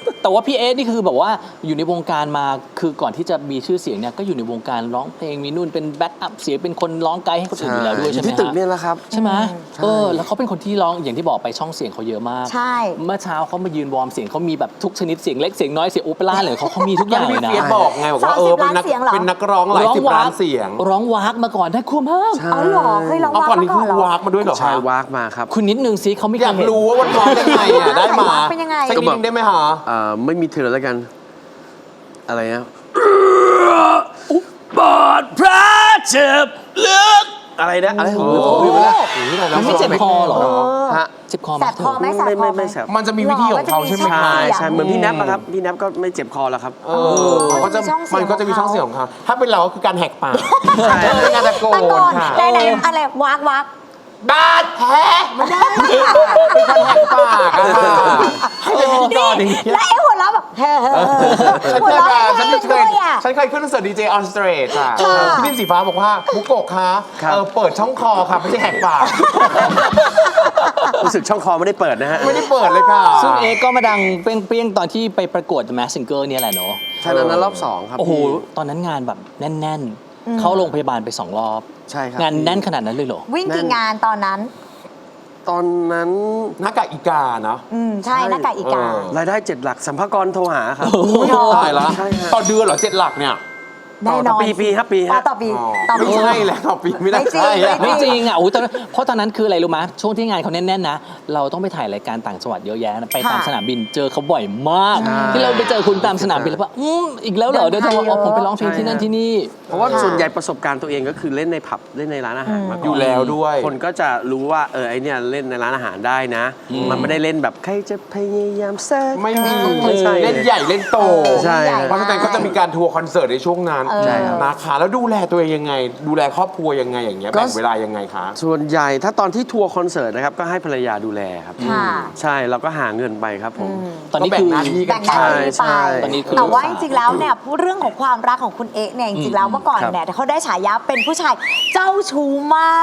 แต่ว่าพี่เอสนี่คือแบบว่าอยู่ในวงการมาคือก่อนที่จะมีชื่อเสียงเนี่ยก็อยู่ในวงการร้องเพลงมีนู่นเป็นแบ็คอัพเสียงเป็นคนร้องไกด์ให้คนอื่นอยู่แล้วด้วยใช่ไหมที่ตึกเนี่ยแหละครับใช่ไหมแล้วเขาเป็นคนที่ร้องอย่างที่บอกไปช่องเสียงเขาเยอะมากใช่เมื่อเช้าเขามายืนวอร์มเสียงเขามีแบบทุกชนิดเสียงเล็กเสียงน้อยเสียงโอเปร่าเลยเขามีทุกอย่างเลยนะเฟียสบอกไงบอกว่าเป็นนักร้องหลายสิบล้านเสียงร้องวากมาก่อนได้คุ้มมากอ๋อเหรอเคยร้องเอาวากก่อนมานี้ก่คือนอเหรอวากมาด้วยเหรอใช่วากมาครับคุณนิดนึงสิเขาไม่อยากเคยเห็นรู้ว่ามันร้องยังไงอ่ะได้มาเป็นยังไงสักนิดนึงได้ไหมฮะไม่มีเธอแล้วกัน อะไรนะบาดแผลเจ็บลึกอะไรนะอะไรผมลืมไปแล้วมันไม่เจ็บคอเหรอฮะเจ็บคอไหมแสบคอไหมแสบคอไหมไม่แสบมันจะมีวิธีของเขาใช่ไหมหรอคะใช่เหมือนพี่แนบอะครับพี่แนบก็ไม่เจ็บคอแล้วครับมันก็จะมีช่องเสียงของเขาถ้าเป็นเราก็คือการแหกปากงานตะโกตะโกนนค่ะไหนๆอะไรวากบาดแผลไม่ได้เป็นคนแหกปากอะค่ะให้เป็นพิธีกรอย่างเงี้ยแล้วไอ้หัวเราะแบบหัวเราะไม่ได้ด้วยอ่ะฉันเคยขึ้นคอนเสิร์ตดีเจออนสเตรทค่ะค่ะพี่นิ่มสีฟ้าบอกว่ามุกโกะคะเปิดช่องคอค่ะไม่ใช่แหกปากรู้สึกช่องคอไม่ได้เปิดนะฮะไม่ได้เปิดเลยค่ะซึ่งเอก็มาดังเปรี้ยงๆตอนที่ไปประกวด The Masked Singer เนี่ยแหละเนาะใช่นั้นรอบ2ครับโอ้โหพี่ตอนนั้นงานแบบแน่นๆ เข้าโรงพยาบาลไป2 รอบใช่ครับงานแน่นขนาดนั้นเลยเหรอวิ่งกี่งานตอนนั้นตอนนั้นหน้ากากอีกาเนาะใช่หน้ากากอีการายได้7 หลักสัมภากรโทรหาครับตายละใช่ฮะต่อเดือนเหรอ7 หลักเนี่ยแน่นอนปีครับปีอ๋อฮะต่อปีต่อปีไม่ใช่แล้วต่อปีไม่ได้ไม่จริงใช่แล้วไม่จริงอ่ะโอ้ยเพราะตอนนั้นคืออะไรรู้ไหมช่วงที่งานเขาแน่นๆนะ เราต้องไปถ่ายรายการต่างจังหวัดเยอะแยะนะไปตามค่ะสนามบินเจอเขาบ่อยมากใช่ที่เราไปเจอคุณตามสนามบินแล้วว่าอีกแล้วเหรอเดิเดี๋ยนวทางจะบอกเยอะผมไปร้องเพลงที่นั่นที่นี่เพราะว่าค่ะส่วนใหญ่ประสบการณ์ตัวเองก็คือเล่นในผับเล่นในร้านอาหารมาก่อนอยู่แล้วด้วยคนก็จะรู้ว่าไอเนี่ยเล่นในร้านอาหารได้นะ มันไม่ได้เล่นแบบใครจะพยายามแทรกไม่มีไม่ใช่เล่นใหญ่เล่นโตใช่เพราะฉะนั้นก็จะมีการทัวร์คอนเสิร์ตในช่วงนั้นใช่ครับนะคะแล้วดูแลตัวเองยังไง ดูแลครอบครัวยังไงอย่างเงี้ยก็แบ่งเวลายังไงคะส่วนใหญ่ถ้าตอนที่ทัวร์คอนเสิร์ตนะครับก็ให้ภรรยาดูแลครับค่ะใช่เราก็หาเงินไปครับผมตอนนี้ก็แบ่คืงอหน้าที่กัแบ่นงหน้าที่ใช่ไปตอนนี้คือแต่ว่าจริงๆแล้วเนี่ยพูดเรื่องของความรักของคุณเอ๊ะเนี่ยจริงๆแล้วเมื่อก่อนครับเนี่ยเขาได้ฉายาเป็นผู้ชายเจ้าชู้มาก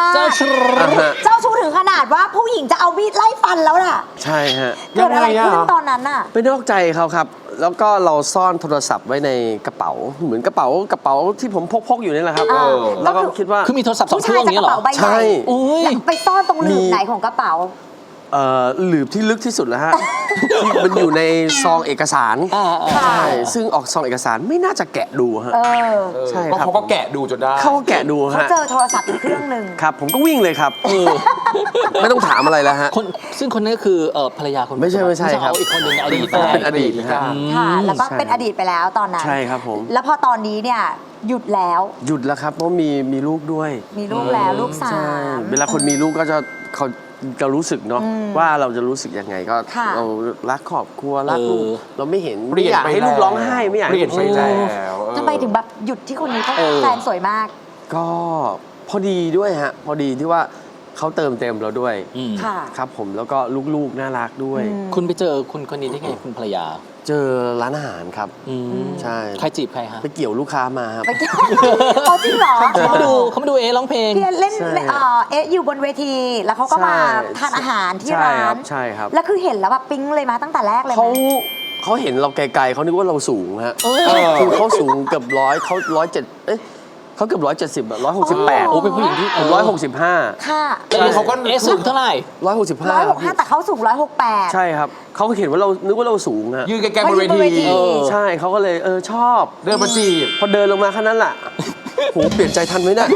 เจ้าชู้เจ้าชู้ถึงขนาดว่าผู้หญิงจะเอามีดไล่ฟันแล้วน่ะใช่ฮะเกิดอะไรยังไงอะขึ้นตอนนั้นน่ะไปนอกใจเขาครับ แล้วก็เราซ่อนโทรศัพท์ไว้ในกระเป๋า เหมือนกระเป๋าที่ผมพกอยู่นี่แหละครับ แล้วก็คิดว่าคือมีโทรศัพท์2 ผู้เครื่ชาอย งจะนี้กระเหรอเป๋าใบใหใช่ญ่อุ้ยแล้วไปซ่อนตรงหลืบมีไหนของกระเป๋าหลืบที่ลึกที่สุดแล้วฮะ ที่มันอยู่ในซองเอกสารอ่าค่ะใช่ซึ่งออกซองเอกสารไม่น่าจะแกะดูฮะเออใช่เพราะครับเขาก็แกะดูจนได้เขาก็แกะดูเขาฮะเจอโทรศัพท์อีกเครื่องหนึ่งครับ ผมก็วิ่งเลยครับไม่ต้องถามอะไรแล้วฮะคนซึ่งคนนั้นก็คือภรรยาคนไม่ใช่ครับเอาอีกคนหนึ่งอดีตเป็นอดีตนะฮะค่ะ แล้วก็ใช่เป็นอดีตไปแล้วตอนนั้นใช่ครับผมแล้วพอตอนนี้เนี่ยหยุดแล้วหยุดแล้วครับเพราะมีลูกด้วยมีลูกแล้วลูกสาใช่มเวลาคนมีลูกก็เขาจะรู้สึกเนาะว่าเราจะรู้สึกยังไงก็ค่ะเรารักครอบครัวรักลูกเราไม่เห็นเปลี่ไม่ยนอยากไปให้ลูกร้องไห้ไม่อยากเปลี่ยนไปให้แล้วทำไมถึงแบบหยุดที่คนนี้เพราะแฟนสวยมากก็พอดีด้วยฮะพอดีที่ว่าเขาเติมเต็มเราด้วยค่ะครับผมแล้วก็ลูกๆน่ารักด้วยคุณไปเจอคุณคนนี้ได้ไงคุณภรรยาเจอร้านอาหารครับ ใช่ใครจีบใครฮะไปเกี่ยวลูกค้ามาครับไปเกี่ยวเอาจริงเหรอเขามาดูเอร้องเพลงพี่เล่นใช่เอ๊ะอยู่บนเวที แล้วเขาก็มาทานอาหารที่ร้านใช่ครับแล้วคือเห็นแล้วแบบปิ๊งเลยมาตั้งแต่แรกเลยไหมเขาเห็นเราไกลๆเขานึกว่าเราสูงฮะคือเขาสูงเกือบ100เขา107เขาเกือบ170อะ168 โอ้เป็นผู้หญิงที่ผม165 ค่ะเขาก็เอสูงเท่าไหร่ 165แต่เขาสูง168 ใช่ครับเขาเห็นว่าเรานึกว่าเราสูงฮะยืนไกลๆบนเวเขายืนบนเวทีทีใช่เขาก็เลยชอบเดินมาจีบพอเดินลงมาแค่นั้นแหละโหเปลี่ยนใจทันไหมเนี่ย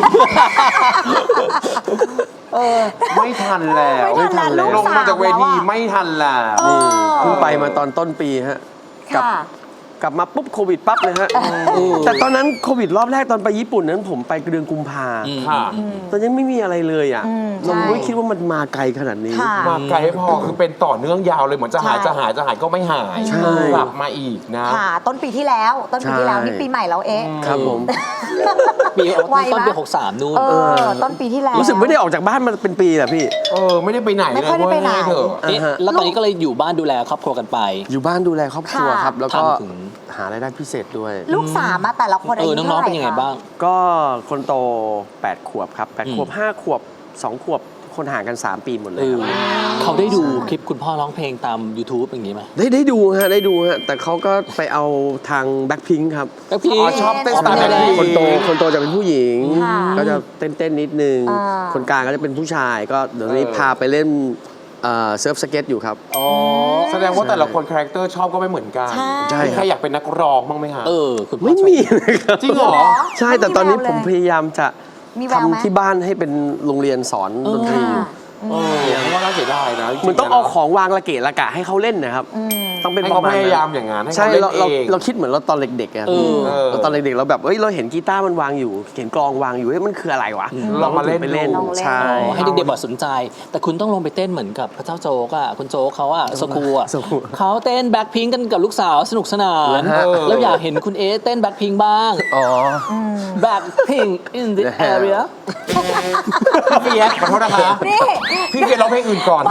ไม่ทันแล้วไม่ทันแล้วลงมาจากเวทีไม่ทันแล้วเออเพิ่งไปมาตอนต้นปีฮะกลับค่ะกลับมาปุ๊บโควิดปั๊บเลยฮะแต่ตอนนั้นโควิดรอบแรกตอนไปญี่ปุ่นนั้นผมไปเดือนกุมภาค่ะตอนยังไม่มีอะไรเลยอ่ะใช่เราไม่คิดว่ามันมาไกลขนาดนี้ค่ะมาไกลไม่พอคือเป็นต่อเนื่องยาวเลยเหมือนจะหายใช่จะหายจะหายก็ไม่หายใช่กลับมาอีกนะค่ะ ต้นปีที่แล้ว นี่ปีใหม่แล้วเอ๊ะครับผมปีไวนะต้นปี63นู่นต้นปีที่แล้วรู้สึกไม่ได้ออกจากบ้านมาเป็นปีแหละพี่ไม่ได้ไปไหนไม่เลยค่อยได้ไปไหนเว้ยเถอะเอ๊ะแล้วตอนนี้ก็เลยอยู่บ้านดูแลครอบครัวกันไปอยู่บ้านดูแลครอบครัวค่ะครับ แล้วก็ทำถึงหารายได้พิเศษด้วยลูกสามมาแต่ละคนอายุน้เท่าองไหๆร่เป็นยังไงคะบ้างก็คนโต8 ขวบครับ8 ขวบ 5 ขวบ 2 ขวบคนห่างกัน 3 ปีหมดเลเอย อเขาได้ดูคลิปคุณพ่อร้องเพลงตาม YouTube อย่างนี้ไหมได้ดูฮะแต่เขาก็ไปเอาทางแบ็คพิงค์ครับแล้วพี่อ๋อชอบเต้นสไตล์แบบนี้คนโตจะเป็นผู้หญิงค่ะก็จะเต้นนิดนึงอ่าคนกลางก็จะเป็นผู้ชายก็เดี๋ยวนี้พาไปเล่นเซิร์ฟสเก็ตอยู่ครับอ๋อแสดงว่าแต่ละคนคาแรคเตอร์ชอบก็ไม่เหมือนกันใช่ใช่ใครอยากเป็นนักร้องบ้างไหมฮะคุณพ่อไม่มีเลยครับจริงเหรอใช่แต่ตอนนี้ผมพยายามจะมีแววไหมทำที่บ้านให้เป็นโรงเรียนสอนดนตรีค่ะเพราะว่าน่าเสียดายนะจริๆเหมือนต้องเอาของวางระเกะระกะให้เขาเล่นนะครับ ต้องเป็นให้ปเขาระมาณพนั้นยายามอย่างนั้นให้ใช่เขาเล่นเราเองเราคิดเหมือนเราตอนเด็กๆอะเออเราตอนเด็กๆเราแบบเราเห็นกีตาร์มันวางอยู่เห็นกลองวางอยู่มันคืออะไรวะลองมาเล่นไปเล่นลองเล่นใช่ให้เด็กๆบอกสนใจ แต่คุณต้องลงไปเต้นเหมือนกับพระเจ้าโจ๊กอ่ะคุณโจ๊กเขาอ่ะสกูอ่ะสกูเขาเต้นแบ็คพิงกันกับลูกสาวสนุกสนานเหรอฮะแล้วอยากเห็นคุณเอเต้นแบ็คพิงบ้างอ๋อแบ็คพิง in the area พี่เฟียสขอโทษนะคะนี่พี่เฟียสร้องเพลงอื่นก่อน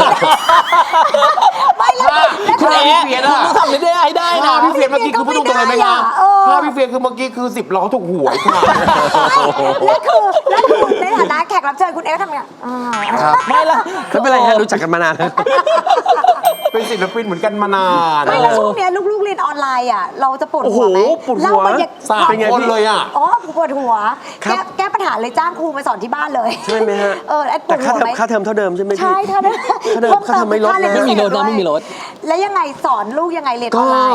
ไม่แล้วคุณเอพี่เฟียสอะคุณทำไม่ได้ให้ได้ภานะพพี่เฟียสเมื่อกี้คือพูดตรงๆเลยไหมคะเออภาพพี่เฟียสคือเมื่อกี้คือ10 ล้อถูกหวยค่ะแล้วคือในฐานะแขกรับเชิญคุณเอ๊ทำไงครับไม่ละไม่เป็นไรฮะรู้จักกันมานานแล้วเป็นศิลปินเหมือนกันมานานไม่แล้วช่วงเนี้ยลูกๆเรียนออนไลน์อ่ะเราจะปวดหัวไหมโอ้โหปวดหัวเล่าบรรยากาศ 3 คนเลยอ่ะอ๋อปวดหัวครับแก้ปัญหาเลยจ้างครูมาสอนที่บ้านเลยใช่ไหมฮะไอ้ปวแต่ดหัวไหมค่าเทอมเท่าเดิมใช่ไหมพี่ใช่ถ้าได้ค่าเทอมไม่ลดนะไม่มีรถนะไม่มีรถแล้วยังไงสอนลูกยังไงเรียนอก็อนไลน์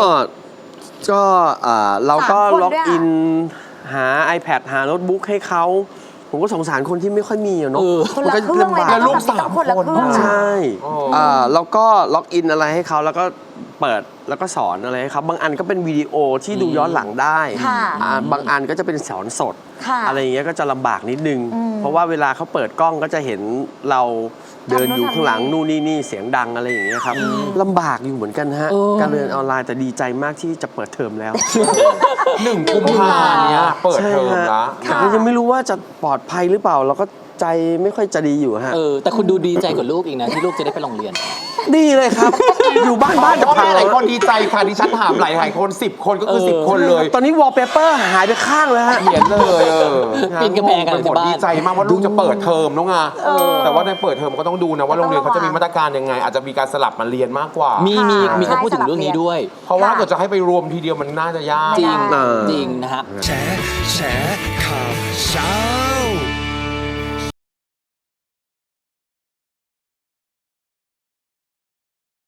เราก็ 3 คนล็อกด้วยอะอินหา iPad หาโน้ตบุ๊กให้เขาผมก็สงสารคนที่ไม่ค่อยมีอะเนาะคนมัละก็เครื่องเลยลำบากนะแล้วลูกต้องคนละ 3 คนเครื่องใช่อ๋อแล้วก็ล็อกอินอะไรให้เขาแล้วก็เปิดแล้วก็สอนอะไรให้เขาบางอันก็เป็นวิดีโอที่ดูย้อนหลังได้ค่ะบางอันก็จะเป็นสอนสดค่ะอะไรอย่างเงี้ยก็จะลำบากนิดนึง เพราะว่าเวลาเขาเปิดกล้องก็จะเห็นเราเดินอยู่ข้างหลังนู่นนี่เสียงดังอะไรอย่างเงี้ยครับลำบากอยู่เหมือนกันฮะ การเรียนออนไลน์แต่ดีใจมากที่จะเปิดเทอมแล้ว 1 กุมภาเนี้ยเปิดเทอมใช่ละฮะแต่ก็ยังไม่รู้ว่าจะปลอดภัยหรือเปล่า เราก็ใจไม่ค่อยจะดีอยู่ฮะแต่คุณดูดีใจกว่าลูกอีกนะที่ลูกจะได้ไปโรงเรียนดีเลยครับ อยู่บ้านจะพ่อพังแม่หลายคนดีใจค่ะดิฉันถามหลายคน10 คนก็คือ10 คนเลยตอนนี้วอลเปเปอร์หายไปข้างเลยฮะเขียนเลยปีนกำแพงกันไปหมดที่บ้านดีใจมากว่าลูกจะเปิดเทอมน้องอ่ะแต่ว่าในเปิดเทอมก็ต้องดูนะว่าโรงเรียนเขาจะมีมาตรการยังไง อาจจะมีการสลับมาเรียนมากกว่ามีค่ะเขาพูดถึงเรื่องนี้ด้วยเพราะว่าถ้าเกิดจะให้ไปรวมทีเดียวมันน่าจะยากจริงเออจริงนะฮะแฉข่าวเช้า